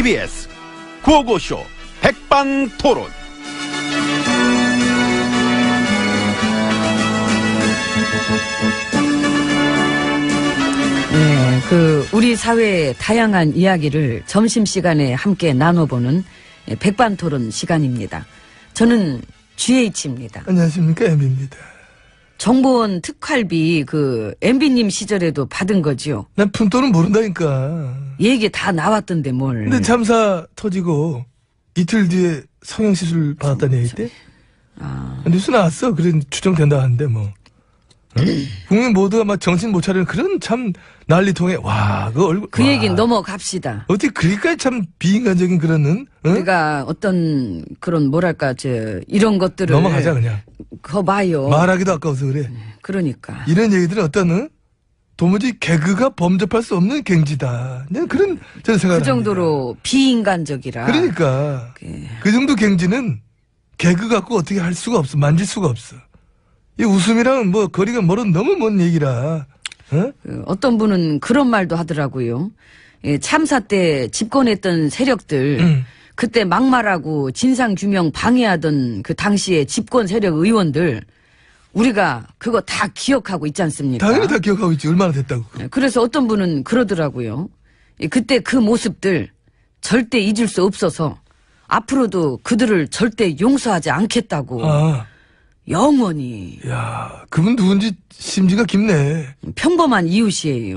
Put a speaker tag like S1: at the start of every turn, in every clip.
S1: TBS 구호고쇼 백반토론.
S2: 네, 우리 사회의 다양한 이야기를 점심시간에 함께 나눠보는 백반토론 시간입니다. 저는 GH입니다.
S3: 안녕하십니까, MB입니다.
S2: 정보원 특활비 MB님 시절에도 받은 거지요?
S3: 난 푼돈은 모른다니까.
S2: 얘기 다 나왔던데 뭘.
S3: 근데 참사 터지고 이틀 뒤에 성형시술 받았다는 얘기 때? 뉴스 나왔어. 그래 추정된다 하는데 뭐. 응? 국민 모두가 막 정신 못 차리는 그런 참 난리통에 그 얼굴.
S2: 그 얘기는 넘어갑시다.
S3: 어떻게 그리까지 참 비인간적인 그런 응?
S2: 우리가 어떤 그런 뭐랄까 이런 것들을
S3: 넘어가자 그냥.
S2: 그거 봐요.
S3: 말하기도 아까워서 그래.
S2: 그러니까
S3: 이런 얘기들은 어떤 도무지 개그가 범접할 수 없는 갱지다. 그런 저는 생각을
S2: 그 정도로
S3: 합니다.
S2: 비인간적이라.
S3: 그러니까 그 정도 갱지는 개그 갖고 어떻게 할 수가 없어. 만질 수가 없어. 이 웃음이랑은 뭐 거리가 멀은 너무 먼 얘기라.
S2: 어떤 분은 그런 말도 하더라고요. 참사 때 집권했던 세력들 그때 막말하고 진상규명 방해하던 그 당시에 집권 세력 의원들 우리가 그거 다 기억하고 있지 않습니까?
S3: 당연히 다 기억하고 있지. 얼마나 됐다고.
S2: 그래서 어떤 분은 그러더라고요. 그때 그 모습들 절대 잊을 수 없어서 앞으로도 그들을 절대 용서하지 않겠다고. 영원히.
S3: 야, 그분 누군지 심지가 깊네.
S2: 평범한 이웃이에요.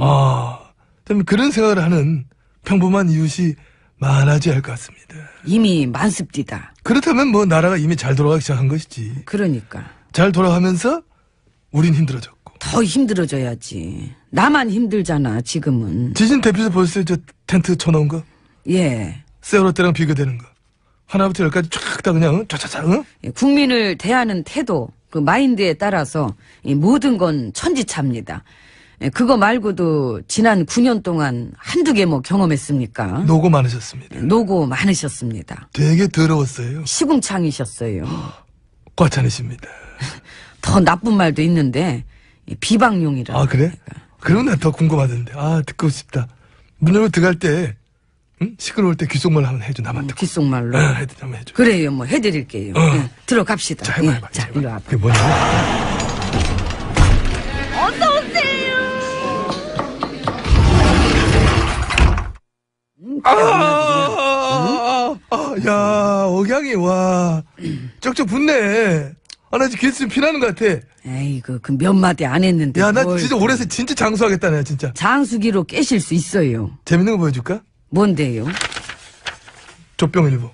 S3: 그런 생각을 하는 평범한 이웃이 많아져야 할 것 같습니다.
S2: 이미 많습니다.
S3: 그렇다면 뭐 나라가 이미 잘 돌아가기 시작한 것이지.
S2: 그러니까.
S3: 잘 돌아가면서 우린 힘들어졌고.
S2: 더 힘들어져야지. 나만 힘들잖아 지금은.
S3: 지진 대피소 보셨어요? 저 텐트 쳐놓은 거?
S2: 예.
S3: 세월호 때랑 비교되는 거. 하나부터 열까지 쫙 다 그냥 쫙쫙쫙.
S2: 국민을 대하는 태도, 그 마인드에 따라서 이 모든 건 천지차입니다. 그거 말고도 지난 9년 동안 한두 개 뭐 경험했습니까?
S3: 노고 많으셨습니다.
S2: 노고 많으셨습니다.
S3: 되게 더러웠어요.
S2: 시궁창이셨어요.
S3: 과찬이십니다.
S2: 더 나쁜 말도 있는데 비방용이라.
S3: 아 그래? 그러면 나 더 궁금하던데. 듣고 싶다. 문 열고 들어갈 때 시끄러울 때 귓속말 한번 해줘. 나만 듣고.
S2: 귓속말로.
S3: 한번 해줘.
S2: 그래요. 뭐 해드릴게요. 들어갑시다.
S3: 자, 해봐.
S2: 자, 일로 와봐.
S3: 그게 뭐냐? 야, 억양이, 쩍쩍 붙네. 나 지금 귀에서 좀 피나는 것 같아.
S2: 에이구, 그 몇 마디 안 했는데.
S3: 야, 나 진짜 올해서 진짜 장수하겠다, 나 진짜.
S2: 장수기로 깨실 수 있어요.
S3: 재밌는 거 보여줄까?
S2: 뭔데요?
S3: 조병일보.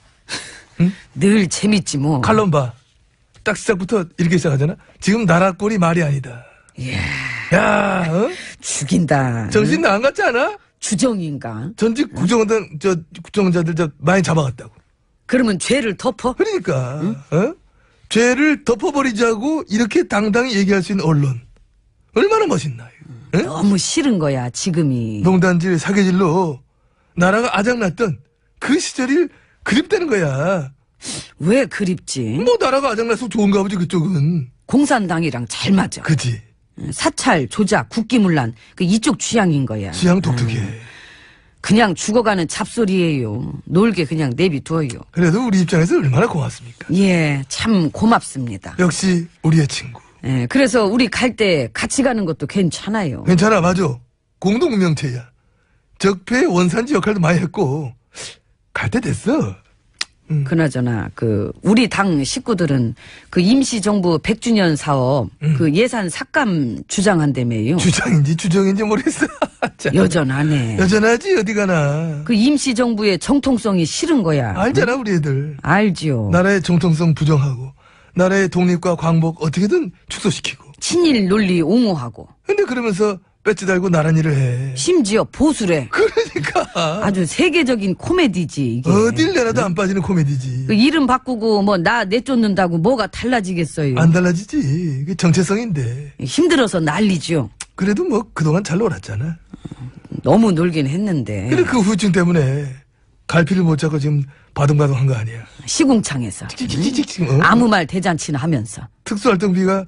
S2: 늘 재밌지 뭐.
S3: 칼럼 봐. 딱 시작부터 이렇게 시작하잖아? 지금 나라 꼴이 말이 아니다.
S2: 이야.
S3: 야,
S2: 죽인다.
S3: 정신 나안 같지 않아?
S2: 주정인가?
S3: 전직 국정원자들 많이 잡아갔다고.
S2: 그러면 죄를 덮어?
S3: 그러니까, 죄를 덮어버리자고 이렇게 당당히 얘기할 수 있는 언론. 얼마나 멋있나, 이거.
S2: 너무 싫은 거야, 지금이.
S3: 농단질, 사계질로 나라가 아작났던 그 시절이 그립다는 거야.
S2: 왜 그립지?
S3: 뭐 나라가 아작나서 좋은가 보지, 그쪽은.
S2: 공산당이랑 잘 맞아.
S3: 그지.
S2: 사찰, 조작, 국기문란, 이쪽 취향인 거야.
S3: 취향 독특해.
S2: 그냥 죽어가는 잡소리예요. 놀게 그냥 내비둬요.
S3: 그래도 우리 입장에서 얼마나 고맙습니까?
S2: 예, 참 고맙습니다.
S3: 역시 우리의 친구.
S2: 예, 그래서 우리 갈 때 같이 가는 것도 괜찮아요.
S3: 괜찮아, 맞아. 공동명체야. 적폐 원산지 역할도 많이 했고 갈 때 됐어.
S2: 그나저나 우리 당 식구들은 임시정부 100주년 사업 예산 삭감 주장한다며요.
S3: 주장인지 주정인지 모르겠어.
S2: 여전하네.
S3: 여전하지 어디 가나.
S2: 임시정부의 정통성이 싫은 거야.
S3: 알잖아 우리 애들.
S2: 알지요.
S3: 나라의 정통성 부정하고 나라의 독립과 광복 어떻게든 축소시키고.
S2: 친일 논리 옹호하고.
S3: 근데 그러면서 배지 달고 나란 일을 해.
S2: 심지어 보수래.
S3: 그러니까.
S2: 아주 세계적인 코미디지 이게.
S3: 어딜 내놔도 안 빠지는 코미디지.
S2: 이름 바꾸고 나 내쫓는다고 뭐가 달라지겠어요.
S3: 안 달라지지. 그게 정체성인데.
S2: 힘들어서 난리죠.
S3: 그래도 뭐 그동안 잘 놀았잖아.
S2: 너무 놀긴 했는데.
S3: 그래 그 후유증 때문에 갈피를 못 잡고 지금 바둥바둥한 거 아니야.
S2: 시궁창에서. 아무 말 대잔치나 하면서.
S3: 특수활동비가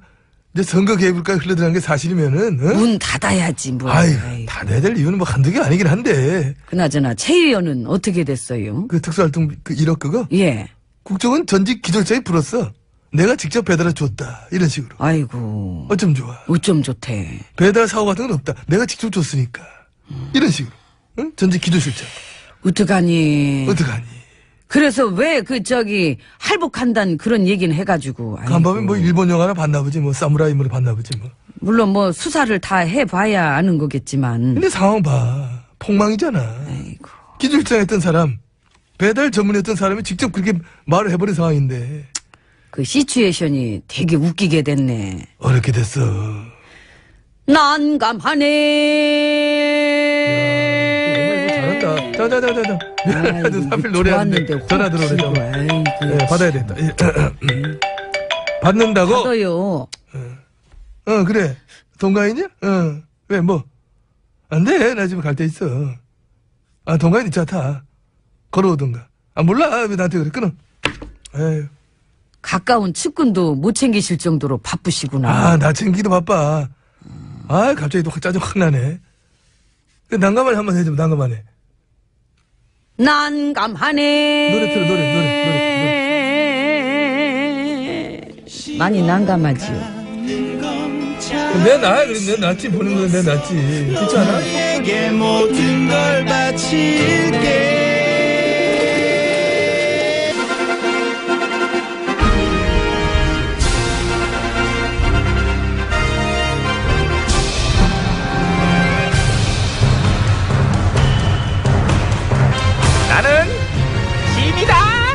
S3: 이제 선거 개입을까지 흘러들어간 게 사실이면은, 어?
S2: 문 닫아야지, 뭐.
S3: 아이,
S2: 아이고.
S3: 닫아야 될 이유는 뭐 한두 개 아니긴 한데.
S2: 그나저나, 최 의원은 어떻게 됐어요?
S3: 그 특수활동 그 1억 그거?
S2: 예.
S3: 국정은 전직 기절자에 불었어. 내가 직접 배달해 줬다. 이런 식으로.
S2: 아이고.
S3: 어쩜 좋아.
S2: 어쩜 좋대.
S3: 배달 사고 같은 건 없다. 내가 직접 줬으니까. 이런 식으로. 응? 전직 기조실장.
S2: 어떡하니.
S3: 어떡하니.
S2: 그래서 왜 할복한다는 그런 얘기는 해가지고. 아이고.
S3: 간밤에 뭐 일본 영화나 봤나 보지. 뭐 사무라이물을 봤나 보지 뭐.
S2: 물론 뭐 수사를 다 해봐야 아는 거겠지만.
S3: 근데 상황 봐. 폭망이잖아.
S2: 아이고.
S3: 기조실장 했던 사람, 배달 전문했던 사람이 직접 그렇게 말을 해버린 상황인데.
S2: 그 시츄에이션이 되게 웃기게 됐네.
S3: 어렵게 됐어.
S2: 난감하네.
S3: 잘한다. 자자자자자. 미안해도 하필 노래하는데 전화 들어오래. 네, 받아야 된다. 받는다고?
S2: 받아요.
S3: 그래. 동가인이야? 왜 뭐? 안 돼. 나 지금 갈 데 있어. 동가인 이 차 타. 걸어오던가. 몰라. 왜 나한테 그래. 끊어. 에휴.
S2: 가까운 측근도 못 챙기실 정도로 바쁘시구나.
S3: 나 챙기기도 바빠. 갑자기 또 짜증 확 나네. 난감하네 한번 해줘. 난감하네.
S2: 난감하네.
S3: 노래 틀어, 노래.
S2: 많이 난감하지요.
S3: 내 나야, 그래. 내 낫지. 보는 건 내 낫지. 그렇지 않아?
S4: 너에게 모든 걸 바칠게.
S1: 나는 짐이다.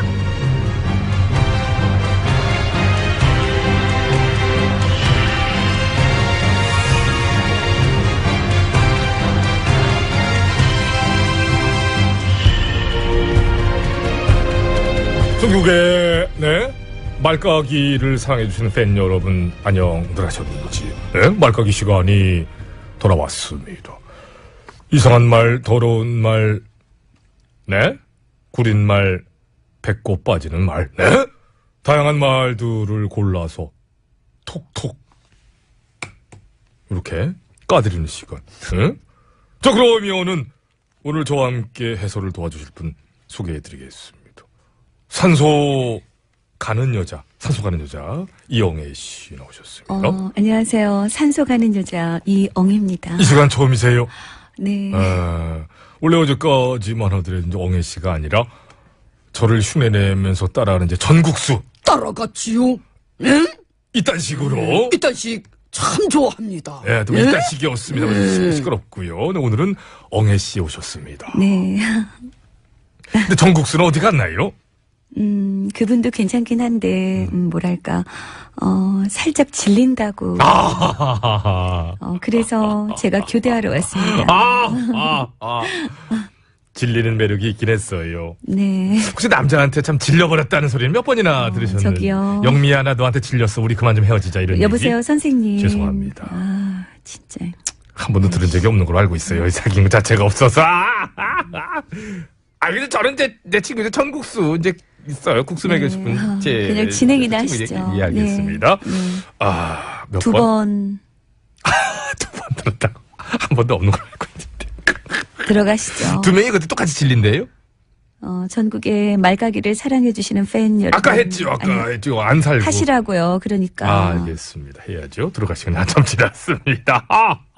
S5: 전국의 말까기를 사랑해주시는 팬 여러분 안녕들 하셨는지. 말까기 시간이 돌아왔습니다. 이상한 말, 더러운 말, 구린 말, 배꼽 빠지는 말, 다양한 말들을 골라서 톡톡 이렇게 까드리는 시간. 자, 그러면은 오늘 저와 함께 해설을 도와주실 분 소개해드리겠습니다. 산소 가는 여자 이영애 씨 나오셨습니다.
S6: 안녕하세요. 산소 가는 여자 이엉입니다.
S5: 이 시간 처음이세요?
S6: 네.
S5: 원래 어제까지만 하더라도 이제 엉애 씨가 아니라 저를 흉내내면서 따라하는 이제 전국수.
S2: 따라갔지요? 응?
S5: 이딴 식으로.
S2: 이딴 식 참 좋아합니다.
S5: 예, 또 이딴 식이었습니다. 시끄럽고요. 네, 오늘은 엉애 씨 오셨습니다.
S6: 네.
S5: 근데 전국수는 어디 갔나요?
S6: 그분도 괜찮긴 한데, 뭐랄까, 살짝 질린다고. 그래서 제가 교대하러 왔습니다.
S5: 질리는 매력이 있긴 했어요.
S6: 네.
S5: 혹시 남자한테 참 질려버렸다는 소리는 몇 번이나 들으셨는지.
S6: 저기요.
S5: 영미야, 나 너한테 질렸어. 우리 그만 좀 헤어지자. 이런
S6: 여보세요,
S5: 얘기.
S6: 선생님.
S5: 죄송합니다.
S6: 진짜.
S5: 한 번도 들은 적이 없는 걸로 알고 있어요. 이 사귄 것 자체가 없어서. 근데 저는 내 친구 이제 전국수 이제 있어요. 국수 먹여 싶은 제
S6: 그냥 진행이나 하시죠.
S5: 예, 알겠습니다.
S6: 네.
S5: 몇
S6: 두
S5: 번?
S6: 번
S5: 두 번 들었다고. 한 번도 없는 걸로 알고 있는데.
S6: 들어가시죠.
S5: 두 명이 그때 똑같이 질린대요?
S6: 전국의 말가기를 사랑해주시는 팬 여러분.
S5: 아까 했죠. 했죠. 안 살고.
S6: 하시라고요. 그러니까.
S5: 알겠습니다. 해야죠. 들어갈 시간이 한참 지났습니다.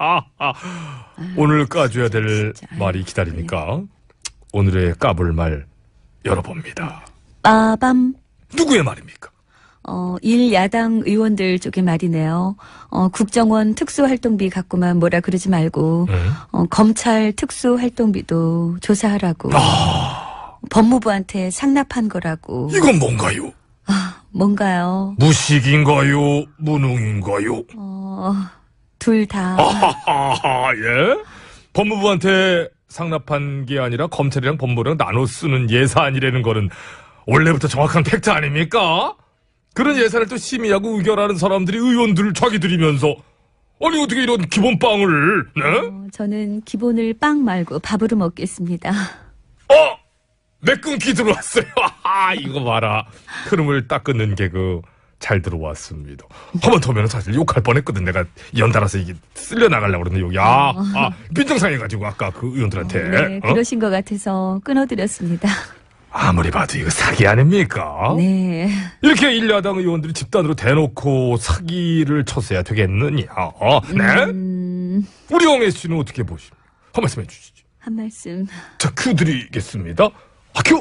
S5: 오늘 까줘야 될
S6: 진짜.
S5: 말이 기다리니까 오늘의 까볼 말 열어봅니다.
S6: 빠밤.
S5: 누구의 말입니까?
S6: 일야당 의원들 쪽의 말이네요. 국정원 특수활동비 갖고만 뭐라 그러지 말고, 검찰 특수활동비도 조사하라고. 법무부한테 상납한 거라고.
S5: 이건 뭔가요?
S6: 뭔가요?
S5: 무식인가요? 무능인가요?
S6: 둘 다.
S5: 예? 법무부한테 상납한 게 아니라 검찰이랑 법무부랑 나눠 쓰는 예산이라는 거는 원래부터 정확한 팩트 아닙니까? 그런 예산을 또 심의하고 의결하는 사람들이 의원들을 자기들이면서 아니 어떻게 이런 기본빵을
S6: 저는 기본을 빵 말고 밥으로 먹겠습니다.
S5: 내 끊기 들어왔어요. 이거 봐라. 흐름을 딱 끊는 개그 잘 들어왔습니다. 한 번 더면 사실 욕할 뻔했거든. 내가 연달아서 이게 쓸려 나가려고 그러는데 빈정상해가지고 아까 그 의원들한테.
S6: 네, 그러신 것 같아서 끊어드렸습니다.
S5: 아무리 봐도 이거 사기 아닙니까?
S6: 네.
S5: 이렇게 일야당 의원들이 집단으로 대놓고 사기를 쳤어야 되겠느냐? 네? 우리 영애 씨는 어떻게 보십니까? 한 말씀 해주시죠.
S6: 한 말씀.
S5: 자, 큐 드리겠습니다. 큐!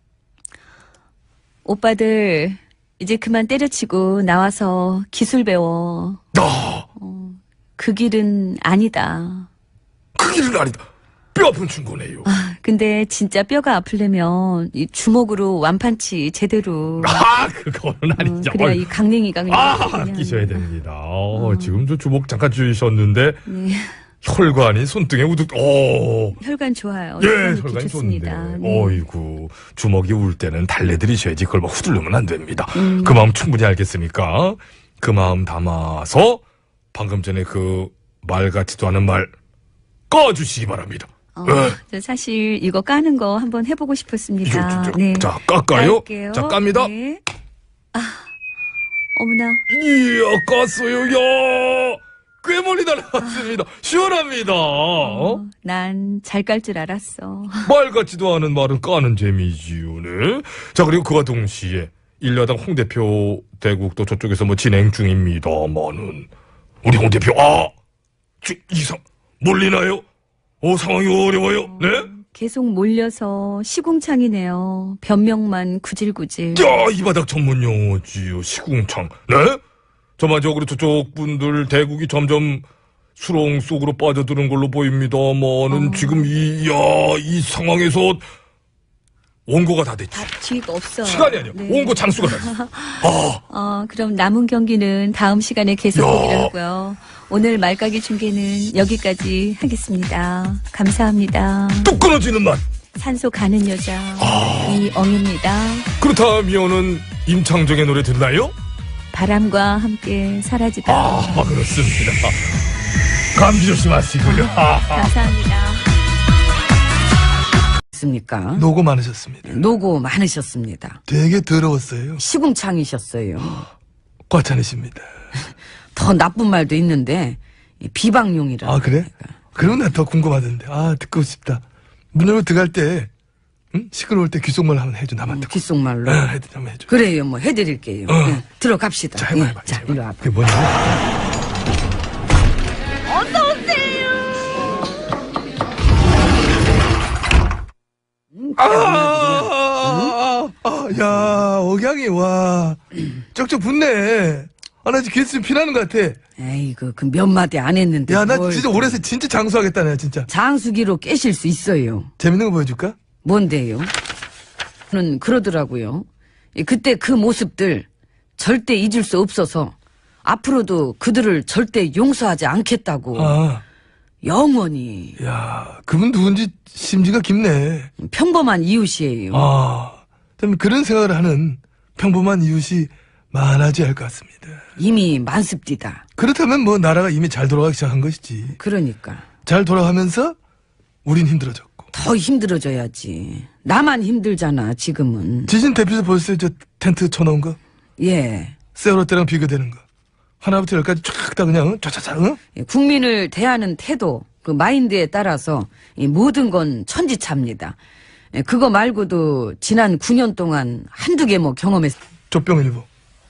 S6: 오빠들 이제 그만 때려치고 나와서 기술 배워. 그 길은 아니다.
S5: 그 길은 아니다. 뼈 아픈 충고네요.
S6: 근데 진짜 뼈가 아프려면 이 주먹으로 완판치 제대로.
S5: 그거는 아니죠.
S6: 그래야 이 강냉이가 그냥.
S5: 끼셔야 됩니다. 지금 저 주먹 잠깐 주셨는데
S6: 네.
S5: 혈관이 손등에 우뚝.
S6: 혈관 좋아요.
S5: 예,
S6: 좋기
S5: 혈관이
S6: 좋습니다.
S5: 좋은데.
S6: 네.
S5: 어이구, 주먹이 울 때는 달래드리셔야지. 그걸 막 후들르면 안 됩니다. 그 마음 충분히 알겠으니까 그 마음 담아서 방금 전에 그 말 같지도 않은 말 꺼주시기 바랍니다.
S6: 저 사실 이거 까는 거 한번 해보고 싶었습니다. 네.
S5: 자, 깎아요.
S6: 깔게요.
S5: 자, 깝니다.
S6: 네. 어머나.
S5: 이야, 깠어요. 야, 꽤 멀리 날아갔습니다. 시원합니다.
S6: 난 잘 깔 줄 알았어.
S5: 말 같지도 않은 말은 까는 재미지요. 네. 자, 그리고 그와 동시에 일야당 홍 대표 대국도 저쪽에서 뭐 진행 중입니다만은 우리 홍 대표 이상 몰리나요? 상황이 어려워요. 네?
S6: 계속 몰려서 시궁창이네요. 변명만 구질구질.
S5: 야, 이 바닥 전문 용어지요. 시궁창. 네? 전반적으로 저쪽 분들 대국이 점점 수렁 속으로 빠져드는 걸로 보입니다만은 지금 이 상황에서 원고가 다 됐지.
S6: 뒤가 없어요.
S5: 시간이 아니야.
S6: 네.
S5: 원고 장수가 됐어.
S6: 그럼 남은 경기는 다음 시간에 계속되기로 하고요. 오늘 말까기 중계는 여기까지 하겠습니다. 감사합니다.
S5: 뚝 끊어지는 맛.
S6: 산소 가는 여자 이엉입니다.
S5: 그렇다면은 임창정의 노래 듣나요?
S6: 바람과 함께 사라지다.
S5: 그렇습니다. 감기 조심하시고요.
S6: 감사합니다.
S2: 습니까?
S3: 노고 많으셨습니다.
S2: 노고 많으셨습니다.
S3: 되게 더러웠어요.
S2: 시궁창이셨어요.
S3: 과찬이십니다.
S2: 더 나쁜 말도 있는데 비방용이라.
S3: 그래? 그러면 나 더 궁금하던데. 듣고 싶다. 문 열고 들어갈 때 시끄러울 때 귓속말 한번 해줘. 나만 듣고.
S2: 귓속말로.
S3: 한번 해줘.
S2: 그래요, 뭐 해드릴게요. 네, 들어갑시다.
S3: 자, 해봐.
S2: 자, 이리 와봐.
S3: 그게 뭐냐? 야, 억양이, 와. 쩍쩍 붙네. 나 지금 개수 피나는 것 같아.
S2: 에이그, 그 몇 마디 안 했는데.
S3: 야, 나
S2: 뭘
S3: 진짜 올해서 진짜 장수하겠다, 내가 진짜.
S2: 장수기로 깨실 수 있어요.
S3: 재밌는 거 보여줄까?
S2: 뭔데요? 는 그러더라고요. 그때 그 모습들 절대 잊을 수 없어서 앞으로도 그들을 절대 용서하지 않겠다고. 영원히.
S3: 야, 그분 누군지 심지가 깊네.
S2: 평범한 이웃이에요.
S3: 좀 그런 생각을 하는 평범한 이웃이 많아져야 할 것 같습니다.
S2: 이미 많습디다.
S3: 그렇다면 뭐 나라가 이미 잘 돌아가기 시작한 것이지.
S2: 그러니까.
S3: 잘 돌아가면서 우린 힘들어졌고.
S2: 더 힘들어져야지. 나만 힘들잖아, 지금은.
S3: 지진 대피소 벌써 저 텐트 쳐놓은 거?
S2: 예.
S3: 세월호 때랑 비교되는 거. 하나부터 열까지 쫙 다 그냥 쫙쫙쫙.
S2: 국민을 대하는 태도, 그 마인드에 따라서 이 모든 건 천지차입니다. 그거 말고도 지난 9년 동안 한두 개 뭐 경험했어.
S3: 조병일보.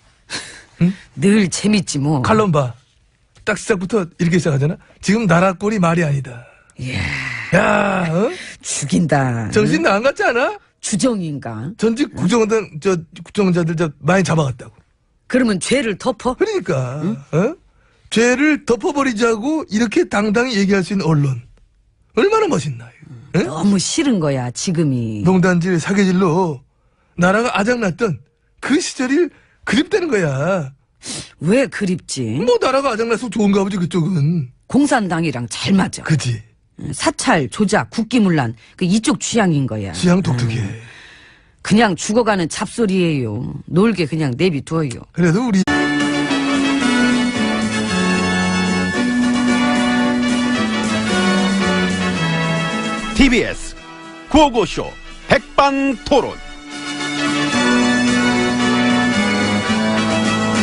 S2: 늘 재밌지 뭐.
S3: 칼럼 봐. 딱 시작부터 이렇게 시작하잖아. 지금 나라 꼴이 말이 아니다.
S2: 이야,
S3: 야,
S2: 죽인다.
S3: 정신 나안 같지 않아?
S2: 주정인가?
S3: 전직 국정원자들 많이 잡아갔다고.
S2: 그러면 죄를 덮어?
S3: 그러니까 죄를 덮어버리자고 이렇게 당당히 얘기할 수 있는 언론 얼마나 멋있나요?
S2: 너무 싫은 거야, 지금이.
S3: 농단질 사계질로 나라가 아작났던 그 시절이 그립다는 거야.
S2: 왜 그립지?
S3: 뭐 나라가 아작나서 좋은가 보지 그쪽은.
S2: 공산당이랑 잘 맞아.
S3: 그지.
S2: 사찰, 조작, 국기문란, 그 이쪽 취향인 거야.
S3: 취향 독특해.
S2: 그냥 죽어가는 잡소리예요. 놀게 그냥 내비둬요.
S3: 그래도 우리
S4: TBS 구호고쇼 백반토론.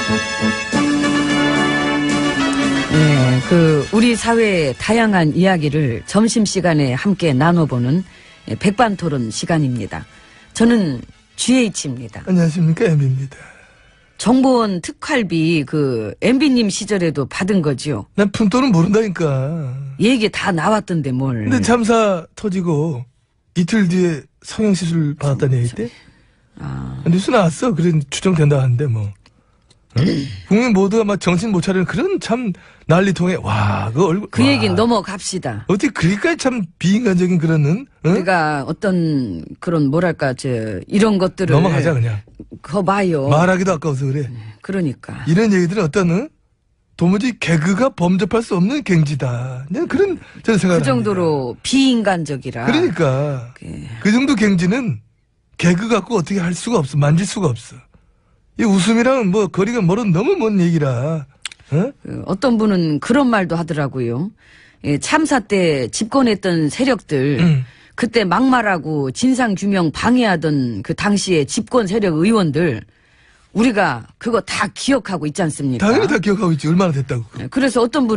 S2: 네, 우리 사회의 다양한 이야기를 점심시간에 함께 나눠보는 백반토론 시간입니다. 저는 GH입니다.
S3: 안녕하십니까, MB입니다.
S2: 정보원 특활비 MB님 시절에도 받은 거지요.
S3: 난 푼돈은 모른다니까.
S2: 얘기 다 나왔던데 뭘.
S3: 근데 참사 터지고 이틀 뒤에 성형시술 받았다는 얘기 때? 뉴스 나왔어. 그런 추정된다 하는데 뭐. 응? 국민 모두가 막 정신 못 차리는 그런 참 난리통에 와, 그 얼굴.
S2: 그
S3: 와.
S2: 얘기는 넘어갑시다.
S3: 어떻게 그렇게까지 참 비인간적인 그런, 응?
S2: 우리가 어떤 그런 뭐랄까 이런 것들을
S3: 넘어가자, 그냥.
S2: 그거 봐요.
S3: 말하기도 아까워서 그래.
S2: 그러니까.
S3: 이런 얘기들은 어떤, 도무지 개그가 범접할 수 없는 갱지다. 그냥 그런, 저는 생각을
S2: 그 정도로 비인간적이라.
S3: 그러니까. 그 정도 갱지는 개그 갖고 어떻게 할 수가 없어. 만질 수가 없어. 이 웃음이랑은 뭐 거리가 너무 먼 얘기라. 어?
S2: 어떤 분은 그런 말도 하더라고요. 참사 때 집권했던 세력들, 그때 막말하고 진상규명 방해하던 그 당시에 집권 세력 의원들, 우리가 그거 다 기억하고 있지 않습니까?
S3: 당연히 다 기억하고 있지. 얼마나 됐다고.
S2: 그래서 어떤 분